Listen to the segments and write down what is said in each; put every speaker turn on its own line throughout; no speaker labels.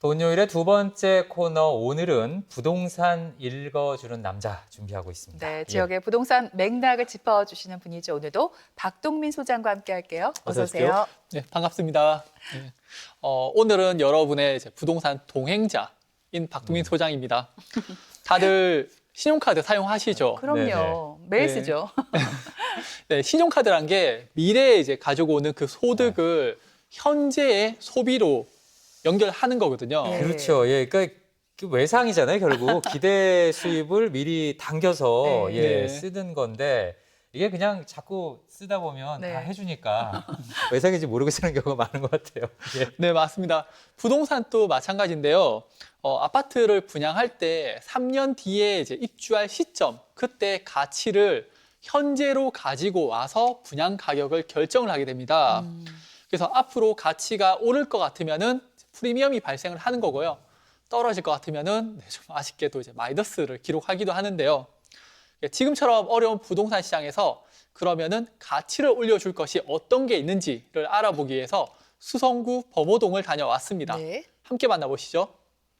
본요일의 두 번째 코너 오늘은 부동산 읽어주는 남자 준비하고 있습니다.
네, 지역의 부동산 맥락을 짚어주시는 분이죠. 오늘도 박동민 소장과 함께 할게요. 어서 오세요.
네, 반갑습니다. 네. 오늘은 여러분의 이제 부동산 동행자인 박동민 소장입니다. 다들 신용카드 사용하시죠?
그럼요. 매일
네.
쓰죠.
네, 신용카드란 게 미래에 이제 가지고 오는 그 소득을 현재의 소비로 연결하는 거거든요.
네.
그렇죠. 예, 그러니까 그 외상이잖아요. 결국 기대 수입을 미리 당겨서
네.
예,
네.
쓰는 건데 이게 그냥 자꾸 쓰다 보면
네.
다 해주니까 외상인지 모르고 쓰는 경우가 많은 것 같아요. 예.
네, 맞습니다. 부동산도 마찬가지인데요. 아파트를 분양할 때 3년 뒤에 이제 입주할 시점, 그때 가치를 현재로 가지고 와서 분양 가격을 결정을 하게 됩니다. 그래서 앞으로 가치가 오를 것 같으면은 프리미엄이 발생을 하는 거고요. 떨어질 것 같으면은 좀 아쉽게도 이제 마이너스를 기록하기도 하는데요. 지금처럼 어려운 부동산 시장에서 그러면은 가치를 올려줄 것이 어떤 게 있는지를 알아보기 위해서 수성구 범호동을 다녀왔습니다.
네.
함께 만나보시죠.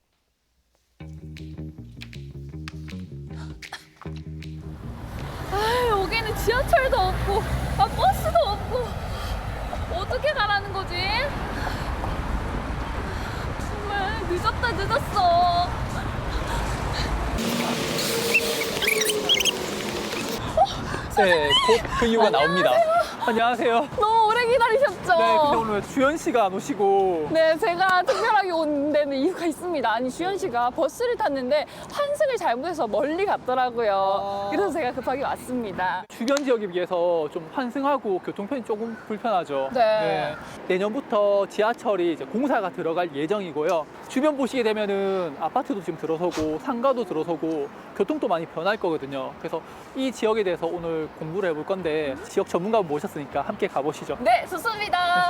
여기는 지하철도 없고 버스도 없고 어떻게 가라는 거지? 정말 늦었어.
네, 곧 그 이유가 나옵니다. 안녕하세요.
너무 오래 기다리셨죠?
네, 근데 오늘 왜 주현 씨가 안 오시고?
네, 제가 특별하게 온 데는 이유가 있습니다. 아니, 주현 씨가 버스를 탔는데 환승을 잘못해서 멀리 갔더라고요. 그래서 제가 급하게 왔습니다.
주변 지역에 비해서 좀 환승하고 교통편이 조금 불편하죠.
네.
내년부터 지하철이 이제 공사가 들어갈 예정이고요. 주변 보시게 되면은 아파트도 지금 들어서고 상가도 들어서고 교통도 많이 변할 거거든요. 그래서 이 지역에 대해서 오늘 공부를 해볼 건데 지역 전문가 모셨으니까 함께 가보시죠.
네, 좋습니다.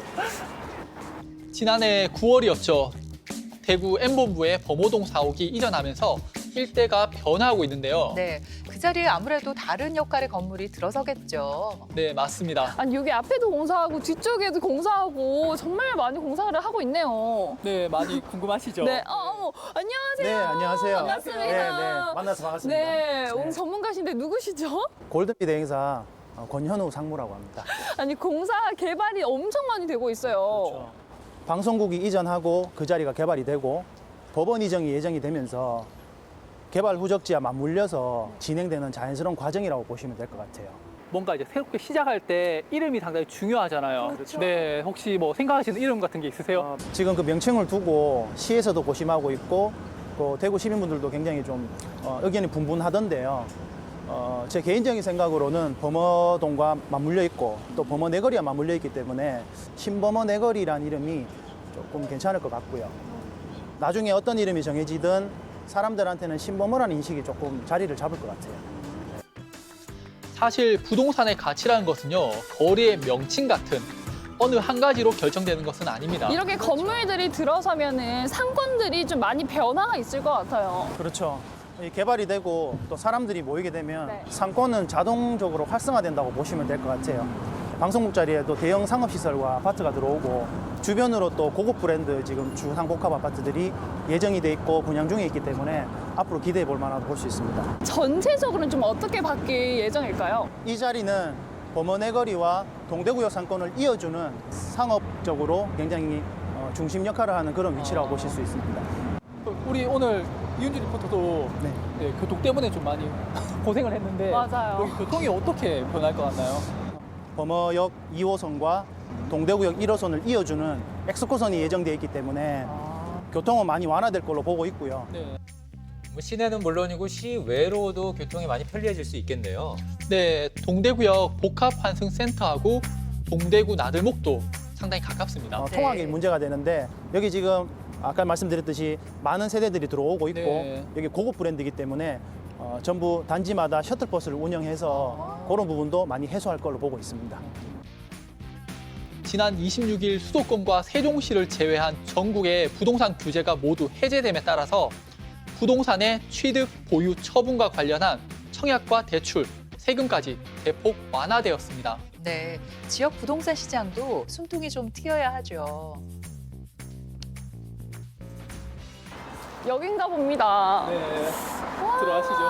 지난해 9월이었죠. 대구 M본부에 범호동 사옥이 이전하면서 일대가 변화하고 있는데요.
네, 그 자리에 아무래도 다른 역할의 건물이 들어서겠죠.
네, 맞습니다.
아니, 여기 앞에도 공사하고 뒤쪽에도 공사하고 정말 많이 공사를 하고 있네요.
네, 많이 궁금하시죠?
네, 안녕하세요.
네, 안녕하세요.
반갑습니다.
네, 네, 만나서 반갑습니다.
네, 오늘 전문가신데 누구시죠?
골든비드 행사 권현우 상무라고 합니다.
아니, 공사 개발이 엄청 많이 되고 있어요.
그렇죠. 방송국이 이전하고 그 자리가 개발이 되고 법원 이전이 예정이 되면서 개발 후적지와 맞물려서 진행되는 자연스러운 과정이라고 보시면 될 것 같아요.
뭔가 이제 새롭게 시작할 때 이름이 상당히 중요하잖아요.
그렇죠.
네, 혹시 뭐 생각하시는 이름 같은 게 있으세요?
지금 그 명칭을 두고 시에서도 고심하고 있고 또 대구 시민분들도 굉장히 좀 의견이 분분하던데요. 제 개인적인 생각으로는 범어동과 맞물려 있고 또 범어 내거리와 맞물려 있기 때문에 신범어 내거리란 이름이 조금 괜찮을 것 같고요. 나중에 어떤 이름이 정해지든 사람들한테는 신범어라는 인식이 조금 자리를 잡을 것 같아요.
사실 부동산의 가치라는 것은요, 거리의 명칭 같은 어느 한 가지로 결정되는 것은 아닙니다.
이렇게 건물들이 들어서면은 상권들이 좀 많이 변화가 있을 것 같아요.
그렇죠. 이 개발이 되고 또 사람들이 모이게 되면
네.
상권은 자동적으로 활성화된다고 보시면 될 것 같아요. 방송국 자리에도 대형 상업시설과 아파트가 들어오고 주변으로 또 고급 브랜드 지금 주상복합 아파트들이 예정이 돼 있고 분양 중에 있기 때문에 앞으로 기대해 볼 만하다고 볼 수 있습니다.
전체적으로는 좀 어떻게 바뀔 예정일까요?
이 자리는 범어내거리와 동대구역 상권을 이어주는 상업적으로 굉장히 중심 역할을 하는 그런 위치라고 보실 수 있습니다.
우리 오늘 이윤주 리포터도
네.
교통 때문에 좀 많이 고생을 했는데
맞아요.
여기 교통이 어떻게 변할 것 같나요?
범어역 2호선과 동대구역 1호선을 이어주는 엑스코선이 예정되어 있기 때문에 교통은 많이 완화될 걸로 보고 있고요.
네.
뭐 시내는 물론이고 시외로도 교통이 많이 편리해질 수 있겠네요.
네, 동대구역 복합환승센터하고 동대구 나들목도 상당히 가깝습니다.
통학이
네.
문제가 되는데 여기 지금 아까 말씀드렸듯이 많은 세대들이 들어오고 있고
네.
여기 고급 브랜드이기 때문에 전부 단지마다 셔틀버스를 운영해서 그런 부분도 많이 해소할 걸로 보고 있습니다.
지난 26일 수도권과 세종시를 제외한 전국의 부동산 규제가 모두 해제됨에 따라서 부동산의 취득, 보유, 처분과 관련한 청약과 대출, 세금까지 대폭 완화되었습니다.
네, 지역 부동산 시장도 숨통이 좀 트여야 하죠.
여긴가 봅니다.
네, 들어가시죠.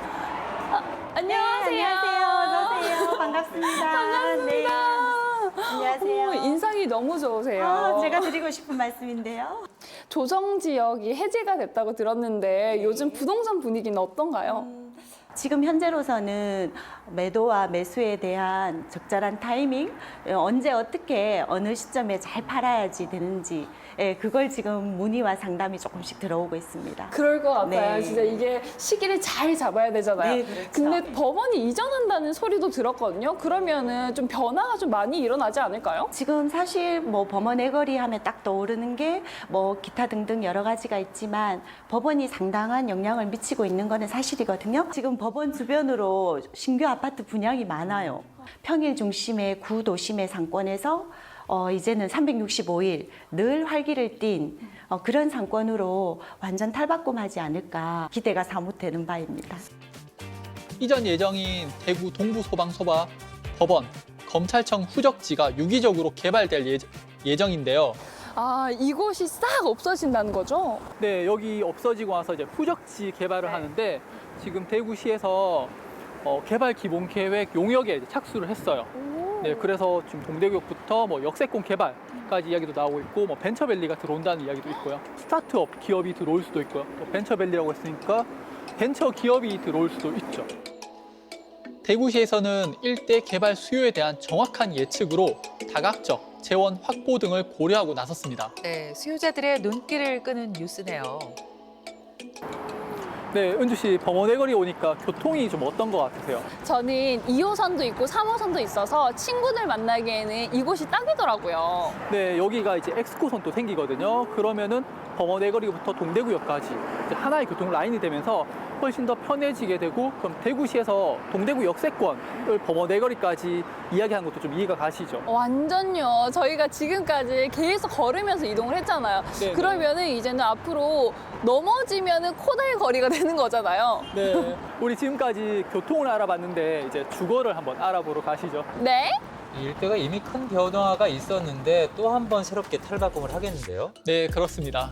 안녕하세요.
어서 오세요. 반갑습니다. 네. 안녕하세요.
어머, 인상이 너무 좋으세요.
제가 드리고 싶은 말씀인데요.
조정 지역이 해제가 됐다고 들었는데 요즘 부동산 분위기는 어떤가요?
지금 현재로서는 매도와 매수에 대한 적절한 타이밍, 언제 어떻게 어느 시점에 잘 팔아야지 되는지, 그걸 지금 문의와 상담이 조금씩 들어오고 있습니다.
그럴 것 같아요.
네.
진짜 이게 시기를 잘 잡아야 되잖아요.
네, 그렇죠.
근데 법원이 이전한다는 소리도 들었거든요. 그러면은 좀 변화가 좀 많이 일어나지 않을까요?
지금 사실 뭐 범원 애거리 하면 딱 떠오르는 게 뭐 기타 등등 여러 가지가 있지만 법원이 상당한 영향을 미치고 있는 거는 사실이거든요. 지금 법원 주변으로 신규 아파트 분양이 많아요. 평일 중심의 구도심의 상권에서 이제는 365일 늘 활기를 띤 그런 상권으로 완전 탈바꿈하지 않을까 기대가 사뭇되는 바입니다.
이전 예정인 대구 동부소방서와 법원, 검찰청 후적지가 유기적으로 개발될 예정인데요.
아, 이곳이 싹 없어진다는 거죠?
네, 여기 없어지고 나서 이제 후적지 개발을 하는데 지금 대구시에서 개발 기본 계획 용역에 이제 착수를 했어요. 네, 그래서 지금 동대구역부터 뭐 역세권 개발까지 이야기도 나오고 있고, 뭐 벤처밸리가 들어온다는 이야기도 있고요. 스타트업 기업이 들어올 수도 있고요. 또 벤처밸리라고 했으니까 벤처 기업이 들어올 수도 있죠. 대구시에서는 일대 개발 수요에 대한 정확한 예측으로 다각적 재원 확보 등을 고려하고 나섰습니다.
네, 수요자들의 눈길을 끄는 뉴스네요.
네, 은주 씨, 범원 애거리 오니까 교통이 좀 어떤 것 같으세요?
저는 2호선도 있고 3호선도 있어서 친구들 만나기에는 이곳이 딱이더라고요.
네, 여기가 이제 엑스코선도 생기거든요. 그러면은 범원 애거리부터 동대구역까지 이제 하나의 교통 라인이 되면서 훨씬 더 편해지게 되고, 그럼 대구시에서 동대구 역세권을 범원 애거리까지 이야기하는 것도 좀 이해가 가시죠?
완전요. 저희가 지금까지 계속 걸으면서 이동을 했잖아요.
네,
그러면은 이제는 앞으로 넘어지면은 코다의 거리가 되는 거잖아요.
네, 우리 지금까지 교통을 알아봤는데 이제 주거를 한번 알아보러 가시죠.
네?
이 일대가 이미 큰 변화가 있었는데 또 한 번 새롭게 탈바꿈을 하겠는데요.
네, 그렇습니다.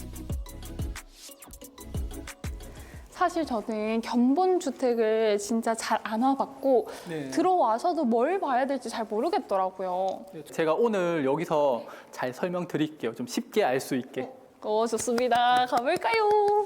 사실 저는 견본주택을 진짜 잘 안 와봤고
네.
들어와서도 뭘 봐야 될지 잘 모르겠더라고요.
제가 오늘 여기서 잘 설명드릴게요. 좀 쉽게 알 수 있게.
좋습니다. 가볼까요?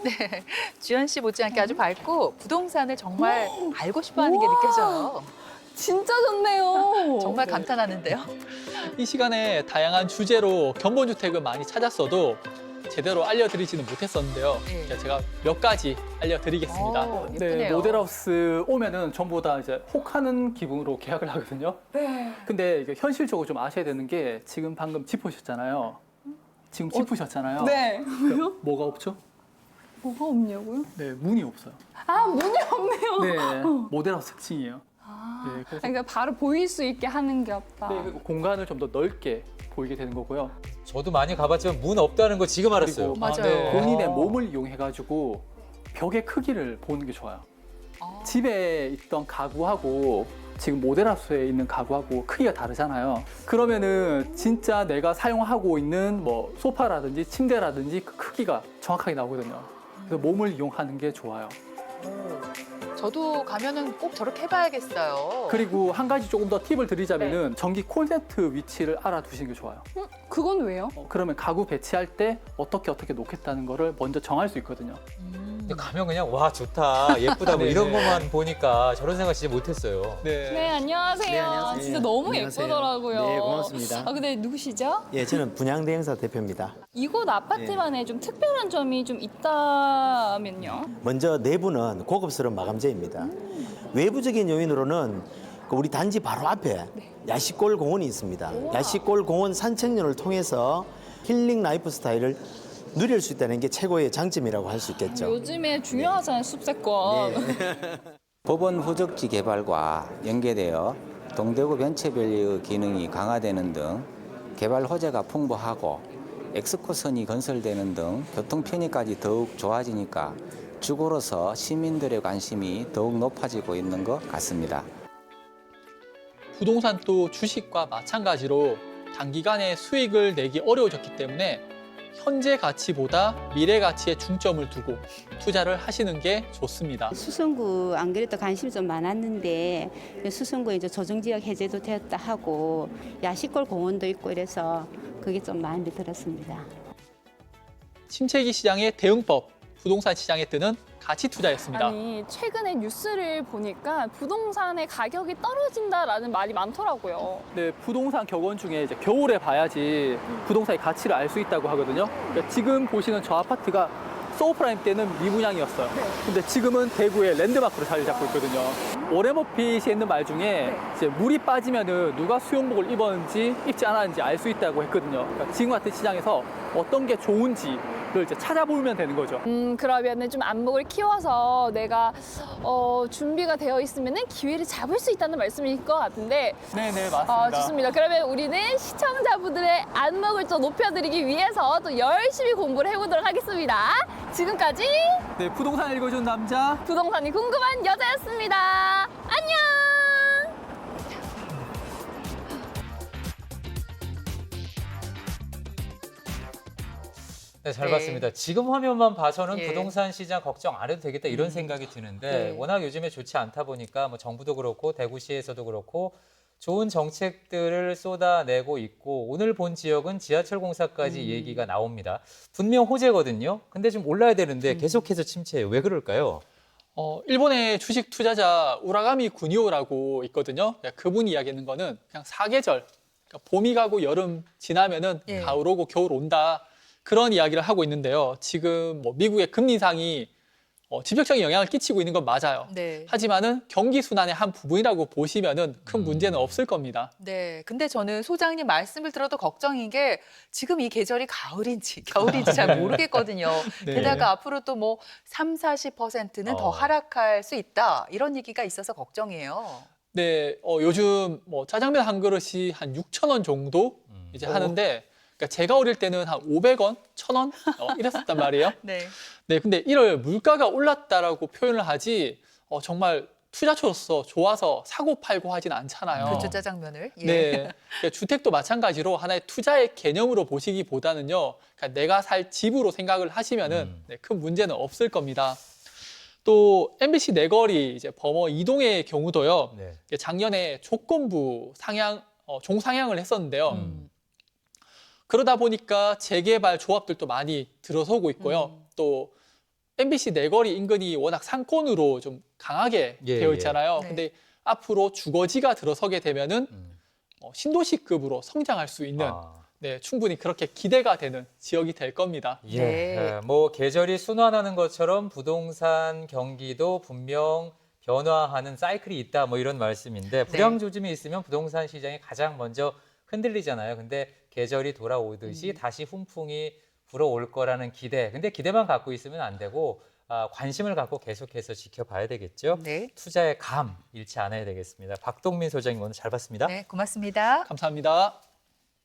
주연 씨 못지않게 아주 밝고 부동산을 정말 알고 싶어하는 게 느껴져요.
진짜 좋네요.
정말 감탄하는데요.
이 시간에 다양한 주제로 견본주택을 많이 찾았어도 제대로 알려드리지는 못했었는데요.
네.
제가 몇 가지 알려드리겠습니다.
오, 예쁘네요.
모델하우스 오면은 전부 다 이제 혹하는 기분으로 계약을 하거든요.
네.
근데 이게 현실적으로 좀 아셔야 되는 게 지금 방금 짚으셨잖아요. 지금 짚으셨잖아요.
네.
왜요? 뭐가 없죠?
뭐가 없냐고요?
네, 문이 없어요.
아, 문이 없네요.
네, 모델하우스 특징이에요. 네, 그래서
그러니까 바로 보일 수 있게 하는 게 없다.
네, 그리고 공간을 좀 더 넓게 보이게 되는 거고요.
저도 많이 가봤지만 문 없다는 거 지금 알았어요.
그리고
맞아요.
본인의 몸을 이용해가지고 벽의 크기를 보는 게 좋아요. 집에 있던 가구하고 지금 모델하우스에 있는 가구하고 크기가 다르잖아요. 그러면은 진짜 내가 사용하고 있는 뭐 소파라든지 침대라든지 그 크기가 정확하게 나오거든요. 그래서 몸을 이용하는 게 좋아요.
저도 가면은 꼭 저렇게 해봐야겠어요.
그리고 한 가지 조금 더 팁을 드리자면은 전기 콘센트 위치를 알아두시는 게 좋아요.
그건 왜요?
그러면 가구 배치할 때 어떻게 놓겠다는 거를 먼저 정할 수 있거든요.
근데 가면 그냥 와 좋다 예쁘다 뭐
네,
이런
네.
것만 보니까 저런 생각 진짜 못했어요.
네, 안녕하세요.
네, 안녕하세요.
진짜 너무
안녕하세요.
예쁘더라고요.
네, 고맙습니다.
아, 근데 누구시죠?
예, 저는 분양대행사 대표입니다.
이곳 아파트만의 좀 특별한 점이 좀 있다면요?
먼저 내부는 고급스러운 마감재입니다. 외부적인 요인으로는 우리 단지 바로 앞에 야시골 공원이 있습니다. 야시골 공원 산책로를 통해서 힐링 라이프 스타일을 누릴 수 있다는 게 최고의 장점이라고 할 수 있겠죠.
요즘에 중요하잖아요, 숲세권.
법원 후적지 개발과 연계되어 동대구 벤처밸리의 기능이 강화되는 등 개발 호재가 풍부하고 엑스코선이 건설되는 등 교통 편의까지 더욱 좋아지니까 주거로서 시민들의 관심이 더욱 높아지고 있는 것 같습니다.
부동산도 주식과 마찬가지로 단기간에 수익을 내기 어려워졌기 때문에 현재 가치보다 미래 가치에 중점을 두고 투자를 하시는 게 좋습니다.
수성구 안 그래도 관심이 좀 많았는데 수성구에 이제 조정지역 해제도 되었다 하고 야시골 공원도 있고 이래서 그게 좀 마음에 들었습니다.
침체기 시장의 대응법, 부동산 시장에 뜨는 가치 투자였습니다.
아니, 최근에 뉴스를 보니까 부동산의 가격이 떨어진다라는 말이 많더라고요.
네, 부동산 격언 중에 이제 겨울에 봐야지 부동산의 가치를 알 수 있다고 하거든요. 그러니까 지금 보시는 저 아파트가 소프라임 때는 미분양이었어요. 근데 지금은 대구의 랜드마크로 자리 잡고 있거든요. 워렌 버핏이 있는 말 중에 이제 물이 빠지면은 누가 수영복을 입었는지 입지 않았는지 알 수 있다고 했거든요. 그러니까 지금 같은 시장에서 어떤 게 좋은지를 이제 찾아보면 되는 거죠.
그러면은 좀 안목을 키워서 내가 준비가 되어 있으면은 기회를 잡을 수 있다는 말씀일 것 같은데.
네네, 맞습니다.
좋습니다. 그러면 우리는 시청자분들의 안목을 좀 높여드리기 위해서 또 열심히 공부를 해보도록 하겠습니다. 지금까지
네, 부동산 읽어준 남자.
부동산이 궁금한 여자였습니다. 안녕!
네, 잘
네.
봤습니다. 지금 화면만 봐서는
예.
부동산 시장 걱정 안 해도 되겠다 이런 생각이 드는데
네.
워낙 요즘에 좋지 않다 보니까 뭐 정부도 그렇고 대구시에서도 그렇고 좋은 정책들을 쏟아내고 있고 오늘 본 지역은 지하철 공사까지 얘기가 나옵니다. 분명 호재거든요. 근데 좀 올라야 되는데 계속해서 침체해요. 왜 그럴까요?
일본의 주식 투자자 우라가미 구니오라고 있거든요. 그분이 이야기하는 거는 그냥 사계절, 그러니까 봄이 가고 여름 지나면은
예.
가을 오고 겨울 온다. 그런 이야기를 하고 있는데요. 지금 뭐 미국의 금리 인상이 직접적인 영향을 끼치고 있는 건 맞아요.
네.
하지만은 경기 순환의 한 부분이라고 보시면은 큰 문제는 없을 겁니다.
네. 근데 저는 소장님 말씀을 들어도 걱정인 게 지금 이 계절이 가을인지 겨울인지 잘 모르겠거든요.
네.
게다가 앞으로 또 뭐 40%는 더 하락할 수 있다. 이런 얘기가 있어서 걱정이에요.
네, 요즘 뭐 짜장면 한 그릇이 한 6,000원 정도 이제 하는데, 그러니까 제가 어릴 때는 한 500원, 1,000원 이랬었단 말이에요.
네.
네, 근데 이를 물가가 올랐다라고 표현을 하지 정말 투자처로서 좋아서 사고 팔고 하진 않잖아요.
그렇죠, 짜장면을. 예.
네, 그러니까 주택도 마찬가지로 하나의 투자의 개념으로 보시기보다는요, 그러니까 내가 살 집으로 생각을 하시면은 네, 큰 문제는 없을 겁니다. 또 MBC 내거리 이제 범어 이동의 경우도요,
네.
작년에 조건부 상향, 종상향을 했었는데요. 그러다 보니까 재개발 조합들도 많이 들어서고 있고요. 또 MBC 내거리 인근이 워낙 상권으로 좀 강하게
예,
되어
예.
있잖아요.
네.
근데 앞으로 주거지가 들어서게 되면은 신도시급으로 성장할 수 있는 네, 충분히 그렇게 기대가 되는 지역이 될 겁니다.
예.
네.
뭐 계절이 순환하는 것처럼 부동산 경기도 분명 변화하는 사이클이 있다 뭐 이런 말씀인데 불황 조짐이 있으면 부동산 시장이 가장 먼저 흔들리잖아요. 근데 계절이 돌아오듯이 다시 훈풍이 불어올 거라는 기대. 근데 기대만 갖고 있으면 안 되고 관심을 갖고 계속해서 지켜봐야 되겠죠.
네.
투자의 감 잃지 않아야 되겠습니다. 박동민 소장님 오늘 잘 봤습니다.
네, 고맙습니다.
감사합니다.